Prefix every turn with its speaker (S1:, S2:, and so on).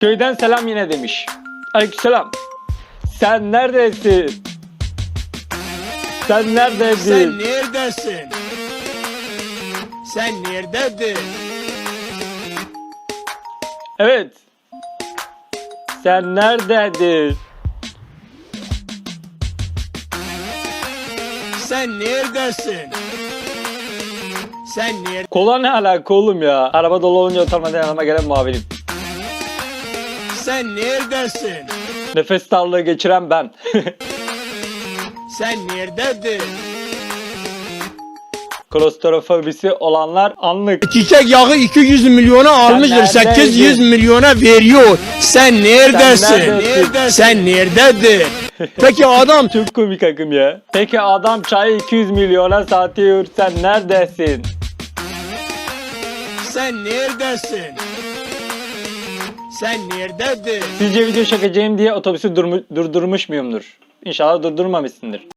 S1: Köyden selam yine demiş. Aleykümselam. Sen neredesin? Sen neredesin?
S2: Sen neredesin? Sen neredesin?
S1: Evet. Sen neredesin?
S2: Sen neredesin? Sen neredesin?
S1: Kola ne alaka oğlum ya? Araba dolu olunca utanmadan yanıma gelen muavinim.
S2: Sen neredesin?
S1: Nefes darlığı geçiren ben.
S2: Sen neredesin?
S1: Klostrofobisi olanlar anlık.
S2: Çiçek yağı 200 milyona almıştır.
S1: neredeydin?
S2: 800 milyona veriyor. Sen neredesin?
S1: Sen neredesin?
S2: Sen neredesin? Peki adam
S1: Çok komik akım ya. Peki adam çayı 200 milyona satıyor. Sen neredesin?
S2: sen neredesin? Sen neredesin?
S1: Sizce video çekeceğim diye otobüsü durdurmuş muyumdur? İnşallah durdurmamışsındır.